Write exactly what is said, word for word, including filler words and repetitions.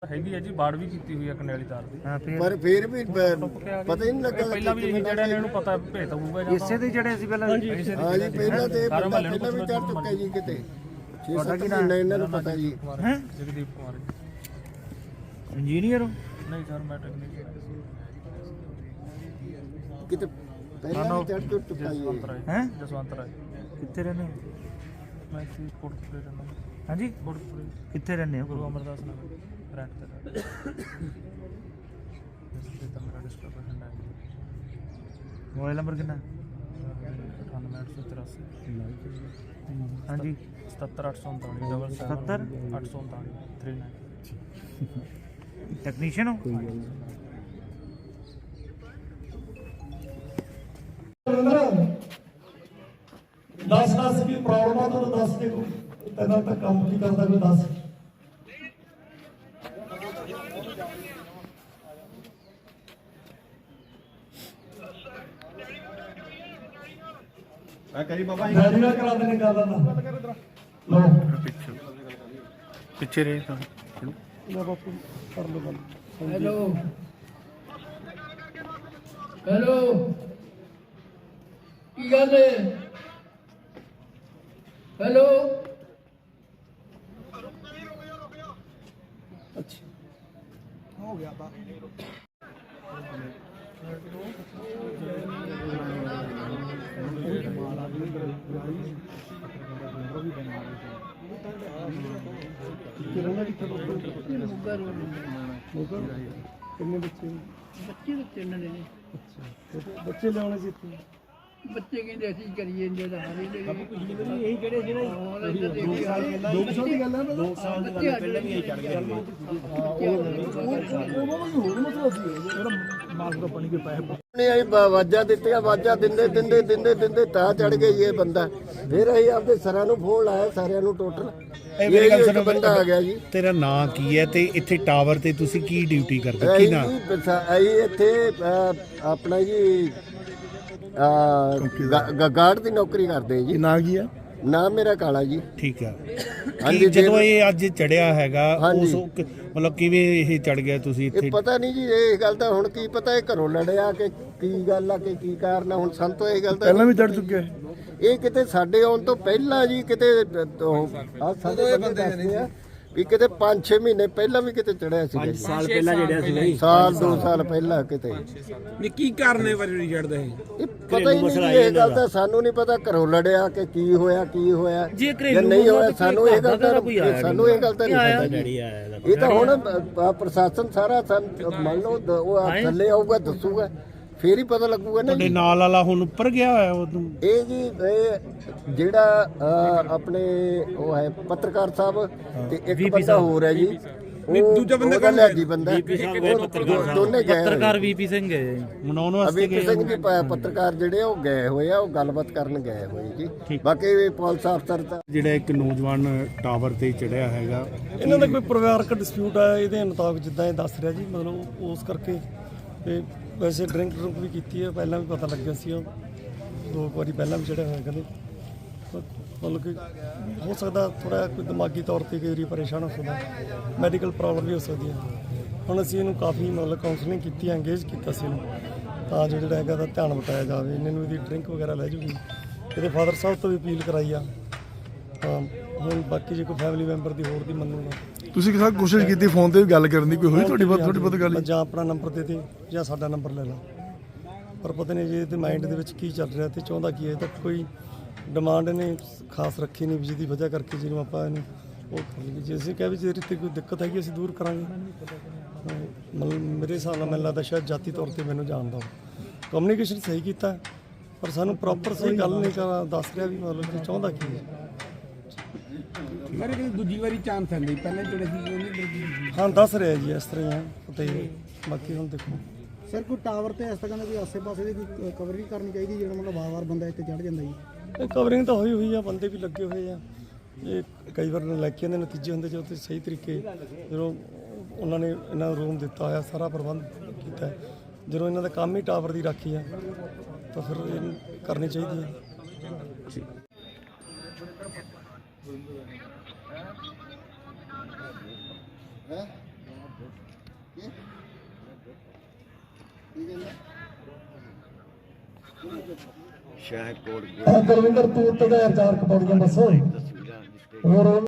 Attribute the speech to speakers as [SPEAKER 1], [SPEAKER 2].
[SPEAKER 1] ਹੈਗੀ ਹੈ ਜੀ, ਬਾੜ ਵੀ ਕੀਤੀ ਹੋਈ ਹੈ ਕਨੈਲੀ ਤਾਰ ਦੀ।
[SPEAKER 2] ਪਰ ਫਿਰ ਵੀ ਪਤਾ ਹੀ ਨਹੀਂ ਲੱਗਾ।
[SPEAKER 1] ਪਹਿਲਾਂ ਵੀ ਜਿਹੜਾ ਇਹਨਾਂ ਨੂੰ ਪਤਾ ਭੇਤ ਹੋਊਗਾ
[SPEAKER 3] ਇਸੇ ਦੇ ਜਿਹੜੇ ਸੀ ਪਹਿਲਾਂ।
[SPEAKER 2] ਹਾਂ ਜੀ, ਪਹਿਲਾਂ ਤੇ ਪਹਿਲਾਂ ਵੀ ਚੜ ਚੁੱਕਾ ਜੀ ਕਿਤੇ ਛੇ ਸੱਤ ਮਹੀਨੇ ਇਹਨਾਂ ਨੂੰ ਪਤਾ ਜੀ।
[SPEAKER 1] ਹੈ ਜਗਦੀਪ ਕੁਮਾਰ
[SPEAKER 3] ਇੰਜੀਨੀਅਰ ਹੋ?
[SPEAKER 1] ਨਹੀਂ ਸਰ, ਮੈਂ ਟੈਕਨੀਸ਼ੀਅਨ
[SPEAKER 2] ਕਿਤੇ ਪਹਿਲਾਂ ਵੀ ਚੜ ਚੁੱਕਾ ਜੀ।
[SPEAKER 3] ਹੈ
[SPEAKER 1] ਜਸਵੰਤ ਰਾਏ।
[SPEAKER 3] ਕਿੱਥੇ ਰਹਿੰਦੇ ਹੋ?
[SPEAKER 1] ਮੈਂ ਇੱਥੇ ਕੋਟਕਪੁਰੇ ਰਹਿੰਦਾ।
[SPEAKER 3] ਹਾਂਜੀ,
[SPEAKER 1] ਕੋਟਕਪੁਰੇ
[SPEAKER 3] ਕਿੱਥੇ ਰਹਿੰਦੇ ਹੋ?
[SPEAKER 1] ਗੁਰੂ ਅਮਰਦਾਸ ਨਗਰ ਰੈਂਟ ਤੇ। ਇਸ ਤੇ ਮੇਰਾ ਡਿਸਟ੍ਰਿਕਟ ਹੈ।
[SPEAKER 3] ਮੋਬਾਈਲ ਨੰਬਰ ਕਿੰਨਾ?
[SPEAKER 1] ਅਠਾਨਵੇਂ ਅੱਠ ਸੌ ਤਰਾਸੀ।
[SPEAKER 3] ਹਾਂਜੀ,
[SPEAKER 1] ਸਤੱਤਰ ਅੱਠ ਸੌ ਉਨਤਾਲੀ ਡਬਲ
[SPEAKER 3] ਸਤੱਤਰ
[SPEAKER 1] ਅੱਠ ਸੌ ਉਨਤਾਲੀ ਥ੍ਰੀ ਨਾਈਨ।
[SPEAKER 3] ਟੈਕਨੀਸ਼ੀਅਨ ਹੋ?
[SPEAKER 4] दस दस की प्रॉब्लम आ तो दस के तेना तक काम की करता कोई दस।
[SPEAKER 5] मैं करी बाबा
[SPEAKER 4] गाड़ी ना करा देने का ना लो
[SPEAKER 3] ਪਿੱਛੇ ਰਹੇ ਤਾਂ
[SPEAKER 4] ना बापू कर लो बंद।
[SPEAKER 6] हेलो हेलो की गल है? हेलो
[SPEAKER 4] अच्छा हो गया बात। कितने बच्चे
[SPEAKER 6] बच्चे बच्चे उन्होंने ने
[SPEAKER 4] अच्छा बच्चे लियाने सी इत्थे
[SPEAKER 6] बच्चे कहते असं करिए इंजन हारे
[SPEAKER 4] यही जड़े जड़े दो साल की गल है ना। दो साल की गल पहले भी यही चढ़ गए होर मसला सी जेड़ा मार्ग ਦਾ ਪਾਣੀ ਕੇ ਪੈਸੇ
[SPEAKER 2] ਨੇ ਅਸੀਂ ਆਵਾਜ਼ਾਂ ਦਿੱਤੀਆਂ, ਆਵਾਜ਼ਾਂ ਦਿੰਦੇ ਦਿੰਦੇ ਦਿੰਦੇ ਦਿੰਦੇ ਤਾਂ ਚੜ ਗਏ ਜੀ ਇਹ ਬੰਦਾ। ਫਿਰ ਅਸੀਂ ਆਪਦੇ ਸਰਾਂ ਨੂੰ ਫੋਨ ਲਾਇਆ, ਸਾਰਿਆਂ ਨੂੰ ਟੋਟਲ ਇਹ ਇੱਕ ਬੰਦਾ ਆ ਗਿਆ ਜੀ।
[SPEAKER 7] ਤੇਰਾ ਨਾਂ ਕੀ ਹੈ ਤੇ ਇੱਥੇ ਟਾਵਰ ਤੇ ਤੁਸੀਂ ਕੀ ਡਿਊਟੀ ਕਰਦੇ? ਕੀ
[SPEAKER 2] ਅਸੀਂ
[SPEAKER 7] ਨਾਂ?
[SPEAKER 2] ਜੀ ਅਸੀਂ ਇੱਥੇ ਅਹ, ਆਪਣਾ ਜੀ ਗਾਰਡ ਦੀ ਨੌਕਰੀ ਕਰਦੇ ਜੀ।
[SPEAKER 7] ਨਾਂ ਕੀ ਹੈ?
[SPEAKER 2] ਨਾਮ ਮੇਰਾ ਕਾਲਾ ਜੀ।
[SPEAKER 7] ਠੀਕ ਹੈ।
[SPEAKER 2] ਹਾਂਜੀ,
[SPEAKER 7] ਕੀ ਜਦੋਂ ਇਹ ਅੱਜ ਚੜਿਆ ਹੈਗਾ
[SPEAKER 2] ਹਾਂਜੀ।
[SPEAKER 7] ਉਸ ਕ- ਮਤਲਬ ਕਿਵੇਂ ਇਹ ਚੜ ਗਿਆ ਤੁਸੀਂ
[SPEAKER 2] ਇਹ
[SPEAKER 7] ਇੱਥੇ?
[SPEAKER 2] ਪਤਾ ਨਹੀਂ ਜੀ, ਇਹ ਗੱਲ ਤਾਂ ਹੁਣ ਕੀ ਪਤਾ ਇਹ ਘਰੋਂ ਲੜਿਆ ਕਿ ਕੀ ਗੱਲ ਆ ਕਿ ਕੀ ਕਾਰਨ ਆ। ਹੁਣ ਸਾਨੂੰ ਤਾਂ ਇਹ ਗੱਲ ਤਾਂ
[SPEAKER 4] ਪਹਿਲਾਂ ਵੀ ਚੜ ਚੁੱਕੇ ਹੈ।
[SPEAKER 2] ਇਹ ਕਿਤੇ ਸਾਡੇ ਆਉਣ ਤੋਂ ਪਹਿਲਾਂ ਜੀ ਕਿਤੇ ਆ ਸਾਡੇ ਬੰਦੇ ਦੱਸਦੇ ਆ ਵੀ ਕਿਤੇ ਪੰਜ ਛੇ ਮਹੀਨੇ ਪਹਿਲਾਂ ਵੀ ਕਿਤੇ ਚੜਿਆ ਸੀ। ਪੰਜ
[SPEAKER 3] ਸਾਲ ਪਹਿਲਾਂ ਜਿਹੜਾ ਸੀ
[SPEAKER 2] ਸਾਲ ਦੋ ਸਾਲ ਪਹਿਲਾਂ ਕਿਤੇ।
[SPEAKER 3] ਨਹੀਂ, ਕੀ ਕਾਰਨ ਹੈ ਵਾਰੀ ਚੜਦਾ ਇਹ?
[SPEAKER 2] ਇਹ ਪਤਾ ਹੀ ਨਹੀਂ ਜੀ, ਇਹ ਗੱਲ ਤਾਂ ਸਾਨੂੰ ਨਹੀਂ ਪਤਾ ਘਰੋਂ ਲੜਿਆ ਕਿ ਕੀ ਹੋਇਆ ਕੀ ਹੋਇਆ
[SPEAKER 3] ਜੇ
[SPEAKER 2] ਜਾਂ ਨਹੀਂ ਹੋਇਆ। ਸਾਨੂੰ ਇਹ ਗੱਲ ਤਾਂ ਸਾਨੂੰ ਇਹ ਗੱਲ ਤਾਂ ਨਹੀਂ ਪਤਾ ਜੀ। ਇਹ ਤਾਂ ਹੁਣ ਅ, ਪ੍ਰਸ਼ਾਸਨ ਸਾਰਾ ਸਾਨੂੰ ਮੰਨ ਲਓ ਦ- ਉਹ ਥੱਲੇ ਆਊਗਾ ਦੱਸੂਗਾ ਫੇਰ ਹੀ ਪਤਾ ਲੱਗੂਗਾ ਨਾ
[SPEAKER 7] ਤੁਹਾਡੇ
[SPEAKER 2] ਜੀ।
[SPEAKER 7] ਨਾਲ ਵਾਲਾ ਹੁਣ ਉੱਪਰ ਗਿਆ ਹੋਇਆ ਉਹਨੂੰ?
[SPEAKER 2] ਇਹ ਜੀ ਇਹ ਜਿਹੜਾ ਅ, ਆਪਣੇ ਉਹ ਹੈ ਪੱਤਰਕਾਰ ਸਾਹਿਬ ਤੇ ਇੱਕ ਬੰਦਾ ਹੋਰ ਹੈ ਜੀ। ਉਹ ਦੂਜਾ ਬੰਦਾ ਕੋਲ ਹੈ ਜੀ ਬੰਦਾ ਉਹ ਦੋਨੇ ਗਏ
[SPEAKER 3] ਪੱਤਰਕਾਰ ਵੀਪੀ ਸਿੰਘ ਹੈ
[SPEAKER 7] ਮਨਾਉਣ ਵਾਸਤੇ
[SPEAKER 2] ਅਭੀ
[SPEAKER 7] ਗਏ?
[SPEAKER 2] ਸਿੰਘ ਜੀ ਪ- ਪੱਤਰਕਾਰ ਜਿਹੜੇ ਉਹ ਗਏ ਹੋਏ ਆ, ਉਹ ਗੱਲਬਾਤ ਕਰਨ ਗਏ ਹੋਏ ਜੀ। ਬਾਕੀ ਪੁਲਿਸ ਅਫਸਰ ਤਾਂ
[SPEAKER 7] ਜਿਹੜਾ ਇੱਕ ਨੌਜਵਾਨ ਟਾਵਰ ਤੇ ਚੜਿਆ ਹੈਗਾ,
[SPEAKER 4] ਇਹਨਾਂ ਦਾ ਕੋਈ ਪਰਿਵਾਰਕ ਡਿਸਪਿਊਟ ਆਇਆ ਇਹਦੇ ਮੁਤਾਬਕ ਜਿੱਦਾਂ ਇਹ ਦੱਸ ਰਿਹਾ ਜੀ। ਮਤਲਬ ਉਸ ਕਰਕੇ ਤੇ ਵੈਸੇ ਡਰਿੰਕ ਡਰੁੰਕ ਵੀ ਕੀਤੀ ਹੈ, ਪਹਿਲਾਂ ਵੀ ਪਤਾ ਲੱਗਿਆ ਸੀ। ਉਹ ਦੋ ਕੁ ਵਾਰੀ ਪਹਿਲਾਂ ਵੀ ਚੜਿਆ ਹੋਇਆ ਕਹਿੰਦੇ। ਮਤਲਬ ਕਿ ਹੋ ਸਕਦਾ ਥੋੜਾ ਕੋਈ ਦਿਮਾਗੀ ਤੌਰ ਤੇ ਕਈ ਵਾਰੀ ਪਰੇਸ਼ਾਨ ਹੋ ਸਕਦਾ, ਮੈਡੀਕਲ ਪ੍ਰੋਬਲਮ ਵੀ ਹੋ ਸਕਦੀ ਹੈ। ਹੁਣ ਅਸੀਂ ਇਹਨੂੰ ਕਾਫੀ ਮਤਲਬ ਕਾਉਂਸਲਿੰਗ ਕੀਤੀ, ਐਂਗੇਜ ਕੀਤਾ ਸੀ ਇਹਨੂੰ ਤਾਂ ਜੋ ਜਿਹੜਾ ਹੈਗਾ ਦਾ ਧਿਆਨ ਬਟਾਇਆ ਜਾਵੇ। ਇਹਨਾਂ ਨੂੰ ਇਹਦੀ ਡਰਿੰਕ ਵਗੈਰਾ ਲੈ ਜੂਗੀ। ਇਹਦੇ ਫਾਦਰ ਸਾਹਿਬ ਤੋਂ ਵੀ ਅਪੀਲ ਕਰਾਈ ਆ। ਤਾਂ ਹੁਣ ਬਾਕੀ ਜੇ ਕੋਈ ਫੈਮਿਲੀ ਮੈਂਬਰ ਦੀ ਹੋਰ ਦੀ ਮੰਨੂਗਾ।
[SPEAKER 8] ਤੁਸੀਂ ਕਿਸਾ ਕੋਸ਼ਿਸ਼ ਕੀਤੀ ਫੋਨ ਤੇ ਵੀ ਗੱਲ ਕਰਨ ਦੀ, ਕੋਈ ਹੋਈ ਤੁਹਾਡੀ ਬਾਤ ਥੋੜੀ ਬਹੁਤ ਗੱਲ?
[SPEAKER 4] ਜਾਂ ਆਪਣਾ ਨੰਬਰ ਦੇ ਦੇ ਜਾਂ ਸਾਡਾ ਨੰਬਰ ਲੈ ਲਾ, ਪਰ ਪਤਾ ਨਹੀਂ ਜੀ ਇਹਦੇ ਮਾਈਂਡ ਦੇ ਵਿੱਚ ਕੀ ਚੱਲ ਰਿਹਾ ਤੇ ਚਾਹੁੰਦਾ ਕੀ ਹੈ। ਤਾਂ ਕੋਈ ਡਿਮਾਂਡ ਇਹਨੇ ਖਾਸ ਰੱਖੀ ਨਹੀਂ ਵੀ ਜਿਹਦੀ ਵਜ੍ਹਾ ਕਰਕੇ ਜਿਹਨੂੰ ਆਪਾਂ ਇਹਨੂੰ ਉਹ ਕਰ ਲਈਏ। ਜੇ ਅਸੀਂ ਕਹਿ ਵੀ ਜੇ ਤੇ ਕੋਈ ਦਿੱਕਤ ਹੈਗੀ ਅਸੀਂ ਦੂਰ ਕਰਾਂਗੇ। ਮਤਲਬ ਮੇਰੇ ਹਿਸਾਬ ਨਾਲ ਮੈਨੂੰ ਲੱਗਦਾ ਸ਼ਾਇਦ ਜਾਤੀ ਤੌਰ ਤੇ ਮੈਨੂੰ ਜਾਣਦਾ ਹੋ। ਕਮਿਊਨੀਕੇਸ਼ਨ ਸਹੀ ਕੀਤਾ ਪਰ ਸਾਨੂੰ ਪ੍ਰੋਪਰ ਸਹੀ ਗੱਲ ਨਹੀਂ ਕਰ ਦੱਸ ਰਿਹਾ ਵੀ ਮਤਲਬ ਕਿ ਚਾਹੁੰਦਾ ਕੀ ਹੈ।
[SPEAKER 3] ਮੇਰੇ ਕੋਲ ਦੂਜੀ ਵਾਰੀ ਚਾਂਸ ਆਂਦੀ, ਪਹਿਲਾਂ ਜਿਹੜੇ ਸੀ
[SPEAKER 4] ਹਾਂ ਦੱਸ ਰਿਹਾ ਜੀ ਇਸ ਤਰ੍ਹਾਂ ਹੀ ਆ ਤੇ ਬਾਕੀ ਹੁਣ ਦੇਖੋ।
[SPEAKER 9] ਸਰ ਕੋਈ ਟਾਵਰ ਤੇ ਇਸ ਤਰ੍ਹਾਂ ਦੇ ਕੋਈ ਆਸੇ-ਪਾਸੇ ਦੀ ਕੋਈ ਕਵਰਿੰਗ ਕਰਨੀ ਚਾਹੀਦੀ ਜਿਹੜਾ ਮਤਲਬ ਵਾਰ-ਵਾਰ ਬੰਦਾ ਇੱਥੇ ਚੜ ਜਾਂਦਾ ਜੀ?
[SPEAKER 4] ਇਹ ਕਵਰਿੰਗ ਤਾਂ ਹੋਈ ਹੋਈ ਆ, ਬੰਦੇ ਵੀ ਲੱਗੇ ਹੋਏ ਆ। ਇਹ ਕਈ ਵਾਰ ਨਲਾਇਕੀਆਂ ਦੇ ਨਤੀਜੇ ਹੁੰਦੇ ਜੋ ਤੇ ਸਹੀ ਤਰੀਕੇ ਜਦੋਂ ਉਹਨਾਂ ਨੇ ਇਹਨਾਂ ਨੂੰ ਰੂਮ ਦਿੱਤਾ ਹੋਇਆ, ਸਾਰਾ ਪ੍ਰਬੰਧ ਕੀਤਾ। ਜਦੋਂ ਇਹਨਾਂ ਦਾ ਕੰਮ ਹੀ ਟਾਵਰ ਦੀ ਰਾਖੀ ਆ ਤਾਂ ਫਿਰ ਇਹ ਕਰਨੀ ਚਾਹੀਦੀ ਹੈ।
[SPEAKER 2] ਹੈ ਸ਼ਾਹਕੋਟ
[SPEAKER 4] ਗੁਰਵਿੰਦਰ ਤੂੰ ਤੇ ਚਾਰ ਕਪੌੜੀਆਂ ਦੱਸੋ ਹੋਰ